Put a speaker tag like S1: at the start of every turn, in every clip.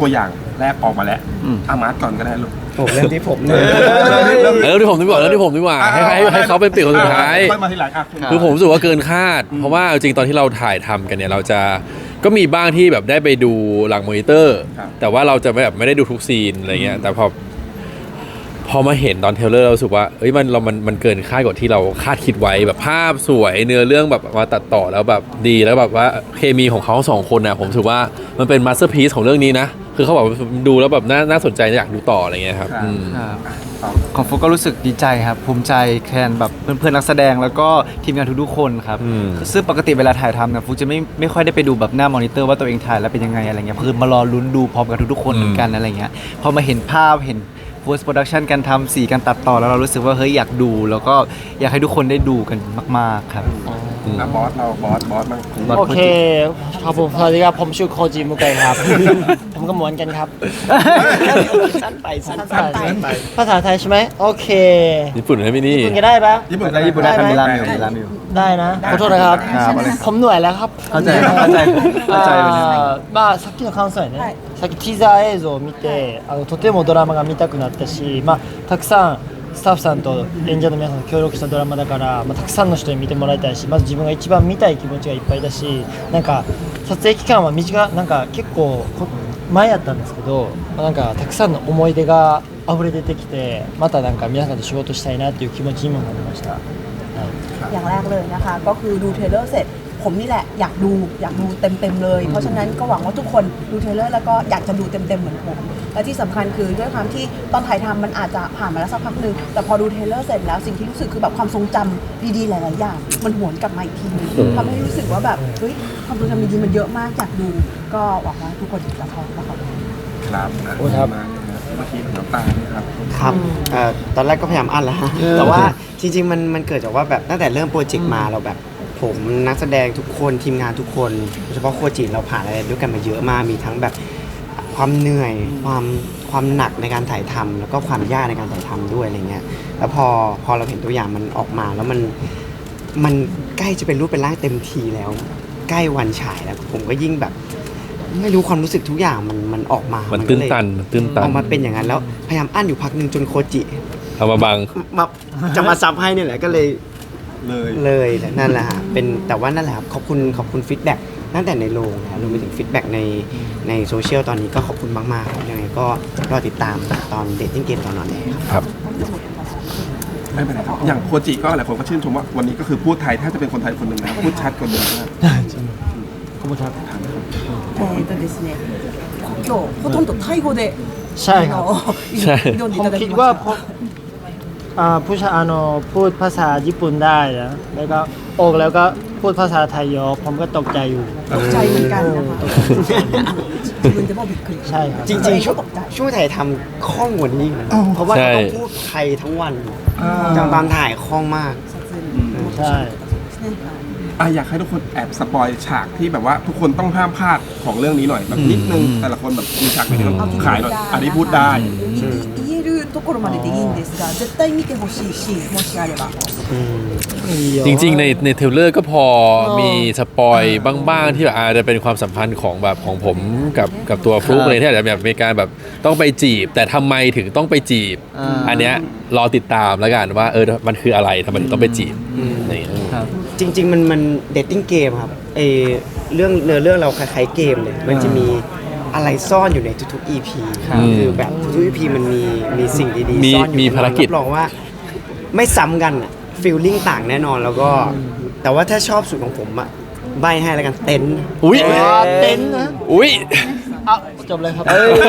S1: ตัวอย่างแรกออกมาแล้วอามาร์ทก่อนก็ได้ลูก
S2: ผมเริ่มที่ผมเลย
S3: ที่ผมดีกว่าให้เขาเป็นเปลี่ยนคนสุดท้าย
S1: ค่อยมาทีหลัง
S3: คือผมรู้สึกว่าเกินคาดเพราะว่าจริงตอนที่เราถ่ายทำกันเนี่ยเราจะก็มีบ้างที่แบบได้ไปดูหลังมอนิเตอร์แต่ว่าเราจะไม่ได้ดูทุกซีนอะไรเงี้ยแต่พอมาเห็นตอนเทรลเลอร์เรารู้สึกว่าเอ้ยมันเกินคาดกว่าที่เราคาดคิดไว้แบบภาพสวยเนื้อเรื่องแบบมาตัดต่อแล้วแบบดีแล้วแบบว่าเคมีของเขาสองคนนะผมรู้สึกว่ามันเป็นมาสเตอร์พีซของเรื่องนี้นะคือเขาบอกดูแล้วแบบน่าสนใจอยากดูต่ออะไรเงี้ยครับ
S2: ของฟุกก็รู้สึกดีใจครับภูมิใจแทนแบบเพื่อนๆนักแสดงแล้วก็ทีมงานทุกๆคนครับซึ่งปกติเวลาถ่ายทำเนี่ยฟุกจะไม่ค่อยได้ไปดูแบบหน้ามอนิเตอร์ว่าตัวเองถ่ายแล้วเป็นยังไงอะไรเงี้ยคือมารอลุ้นดูพร้อมกับทุกๆคนเหมือนกันอะไรเงี้ยพอมาเห็นภาพเห็นpost production การทำสีการตัดต่อแล้วเรารู้สึกว่าเฮ้ยอยากดูแล้วก็อยากให้ทุกคนได้ดูกันมากๆครับ
S1: บอสเราบอสบ้าง
S4: โอเคครับผมสวัสดีครับผมชื่อโคจิมุไกครับผมก็เหมือนกันครับสั้นไปภาษาไทยใช่ไหมโอเค
S3: ญี่ปุ่นไหมพี่นี่
S4: ญี่ปุ่นก็ได้ปะ
S2: ญี่ปุ่นได้มีร้านอยู่
S4: ได้นะขอโทษนะครับผมเหนื่อยแล้วครับ
S2: เข้าใจ
S4: まあさっきの感想やねさっきティザー映像を見てとてもドラマが見たくなったし、たくさんスタッフさんと演者の皆さんと協力したドラマだから、たくさんの人に見てもらいたいしまず自分が一番見たい気持ちがいっぱいだしなんか撮影期間はなんか結構前やったんですけどなんかたくさんの思い出が溢れ出てきてまたなんか皆さんと仕事したいなっていう気持ちにもなりました、
S5: อย่างแรกเลยนะคะก็คือดูเทรลเลอร์เสร็จผมนี่แหละอยากดูเต็มเลยเพราะฉะนั้นก็หวังว่าทุกคนดูเทรลเลอร์แล้วก็อยากจะดูเต็มเหมือนผมและที่สำคัญคือด้วยความที่ตอนถ่ายทำมันอาจจะผ่านมาแล้วสักพักนึงแต่พอดูเทรลเลอร์เสร็จแล้วสิ่งที่รู้สึกคือแบบความทรงจำดีๆหลายๆอย่างมันหวนกลับมาอีกทีนึงทำให้รู้สึกว่าแบบเฮ้ยความทรงจำดีๆมันเยอะมากอยากดูก็หวังว่าทุกคนจะชอบนะครับ
S1: ครับเมื่อกี้น้ำตา
S2: ครับตอนแรกก็พยายามอั้นแล้วฮะแต่ว่าจริงๆมันเกิดจากว่าแบบตั้งแต่เริ่มโปรเจกต์มาเราแบบผมนักแสดงทุกคนทีมงานทุกคนโดยเฉพาะโคจิเราผ่านอะไรด้วยกันมาเยอะมากมีทั้งแบบความเหนื่อยความหนักในการถ่ายทำแล้วก็ความยากในการถ่ายทำด้วยอะไรเงี้ยแล้วพอเราเห็นตัวอย่างมันออกมาแล้วมันใกล้จะเป็นรูปเป็นร่างเต็มทีแล้วใกล้วันฉายแล้วผมก็ยิ่งแบบไม่รู้ความรู้สึกทุกอย่างมันออกมา
S3: มันตื้นตัน
S2: ออกมาเป็นอย่างนั้นแล้วพยายามอั้นอยู่พักนึงจนโคจิ
S3: เอามาบัง
S2: จะมาซับให้เนี่ยแหละก็เลยนั่นแหละฮะเป็นแต่ว่านั่นแหละครับขอบคุณฟีดแบ็กตั้งแต่ในโรงนะรวมไปถึงฟีดแบ็กในโซเชียลตอนนี้ก็ขอบคุณมากๆครับยังไงก็รอติดตามตอนเดทติ้งเกมตอนนั้น
S3: ครับ
S1: ไม่เป็นไรครับอย่างโคจิก็หลายคนก็ชื่นชมว่าวันนี้ก็คือพูดไทยถ้าจะเป็นคนไทยคนหนึ่งนะพูดชัดกว่าเดิมมาก
S4: ขอบคุณครับ
S5: ですね今日ほとんどタイ語で
S4: ใช่ครับผมคิดว่าผู้ชายพูดภาษาญี่ปุ่นได้นะแล้วก็ออกแล้วก็พูดภาษาไทยเยอะผมก็ตกใจอยู่
S5: ตกใจเหมือนกันนะคะคุณจะบอกบิดขึ้น
S4: ใช่ครับ
S2: จริงๆช่วงถ่ายทำคล่องกว่านี้นะเพราะว่าเราต้องพูดไทยทั้งวันจังตอนถ่ายคล่องมาก
S4: ใช่
S1: อยากให้ทุกคนแอบสปอยฉากที่แบบว่าทุกคนต้องห้ามพลาดของเรื่องนี้หน่อยแบบนิดนึงแต่ละคนแบบมีฉากไหนที่ต้องขายหน่อยอันนี้พูดได้
S5: 言えるところまででいいんですが絶対見てほしいしもしあれば
S3: จริงๆในเทรลเลอร์ก็พอมีสปอยบ้างๆที่แบบอาจจะเป็นความสัมพันธ์ของแบบของผมกับตัวฟลุ๊กเลยที่อาจจะแบบมีการแบบต้องไปจีบแต่ทำไมถึงต้องไปจีบอันเนี้ยรอติดตามแล้วกันว่ามันคืออะไรทำไมถึงต้องไปจีบ
S2: จริงๆมันเดทติ้งเกมครับเรื่องเราคล้ายๆเกมเลยมันจะมีอะไรซ่อนอยู่ในทุกๆ EP คือแบบทุก EP มันมีสิ่งดีๆซ่อนอยู่
S3: มีภารกิจ
S2: รับรองว่าไม่ซ้ำกันฟีลลิ่งต่างแน่นอนแล้วก็แต่ว่าถ้าชอบสูตรของผมอะใบให้แล้วกันเต็นท์
S4: เต็นท์นะจบเลยครับ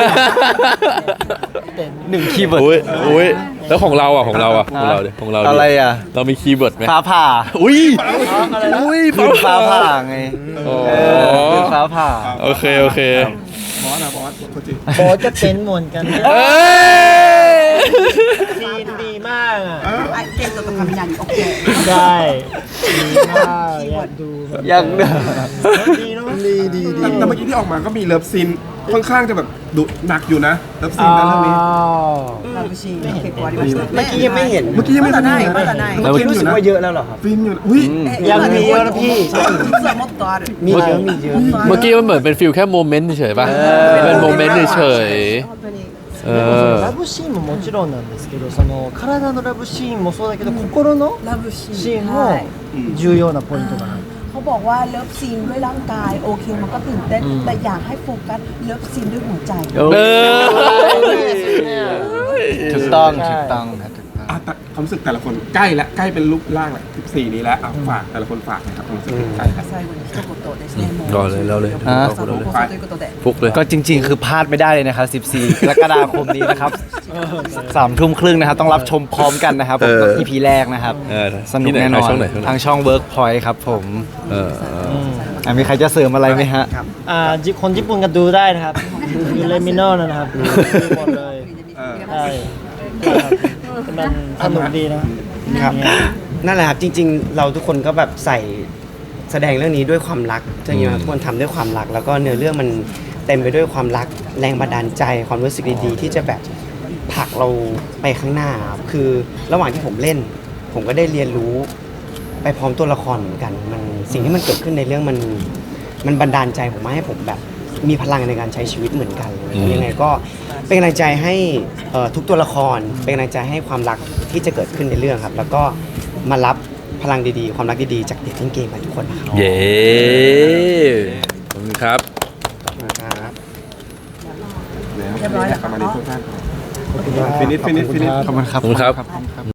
S2: หนึ่งคีย์เวิร์ด
S3: แล้วของเรา
S2: อะไรอ่ะ
S3: เรามีคีย์เวิร์ดไหม
S2: ฟ้าผ่าฟ้าผ่าไงฟ้าผ่า
S3: โอเค
S1: บอสโคจิ
S4: ก็เต็นท์เหมือนกันซีนดีมาก
S5: เกมตัวทำอย่างโอเค
S4: ได้ดีมากอยากดู
S2: ดีเนาะ
S1: ดีแต่เมื่อกี้ที่ออกมาก็มีเลิฟซีนค่อนข้างจะแบบดุหนักอยู่นะแล้วซีนนั้นเรื่องนี้
S5: ラブシーンが結構ありましたよね
S2: เมื่อกี้ยังไม่เห็น
S1: เมื่อกี้ยังไม่ทัน
S5: まだないまだない
S2: เมื่อกี้รู้สึกว่าเยอะแล้วเหรอครับ
S1: ฟินอยู่อุ้ย
S4: ยังมีเยอะนะพี่
S5: 実はもっとある
S2: มีเยอะมีเยอะ
S3: เมื่อกี้มันเหมือนเป็นฟิลแค่โมเมนต์เฉยๆป่ะเป็นโมเมนต์เฉย
S5: 本当に
S3: ๆ
S4: でもそのラブシーンももちろんなんですけどその体のラブシーンもそうだけど心の
S5: ラブシ
S4: シーン
S5: ーンはい
S4: も重要なポイントかな
S5: เขาบอกว่าเลิฟซีนด้วยร่างกายโอเคมันก็ตื่นเต้นแต่อยากให้โฟกัสเลิฟซีนด้วยหัวใจ
S3: เออ
S6: ถูกต้องถูกต้องครับถูกต้อง
S1: อ่ะแต่ความรู้สึกแต่ละคนใกล้แล้วใกล้เป็นรูปร่างแล้ว14นี้แล้วอ่ะฝากแต่ละคนฝากหนะครับความรู้สึกใกล้แล้ว
S5: 最後に一言ですねもう
S3: รอเลยเราเลย
S5: 放送ということで
S3: ฟุกเลย
S6: ก็จริงๆ คือพลาดไม่ได้เลยนะครับ 14 กรกฎาคมนี้นะครับ 3 ทุ่มครึ่งนะครับ ต้องรับชมพร้อมกันนะครับผมกับ EP แรกนะครับ สนุกแน่นอน
S3: ช่องไหนช่องไหน
S6: ทางช่อง Workpoint ครับผม
S3: เออ
S6: มีใครจะเสริมอะไรไหมฮะ
S4: คนญี่ปุ่นก็ดูได้นะครับยูเลมิโน่นะครับดูหมดเลยใช่มันสนุกดีนะครับ
S2: นั่นแหละครับจริงๆ เราทุกคนก็แบบใส่แสดงเรื่องนี้ด้วยความรักจริงๆทุกคนทำด้วยความรัก แล้วก็เนื้อเรื่องมันเต็มไปด้วยความรักแรงบันดาลใจความรู้สึกดีๆที่จะแบบผลักเราไปข้างหน้าครับคือระหว่างที่ผมเล่น ผมก็ได้เรียนรู้ไปพร้อมตัวละครเหมือนกันมันสิ่งที่มันเกิดขึ้นในเรื่องมันบันดาลใจผมมาให้ผมแบบมีพลังในการใช้ชีวิตเหมือนกันยังไงก็เป็นกำลังใจให้ทุกตัวละครเป็นกำลังใจให้ความรักที่จะเกิดขึ้นในเรื่องครับ แล้วก็มารับพลังดีๆ ความรักดีๆจากเด็กเล่นเกมกันทุกคนนะครับ
S3: เย้ขอบคุณครับ
S2: ครับ
S1: แล้วประมาณนี้ทุกท่านฟินิช
S6: ขอบคุณครับ
S3: ขอบคุณครับ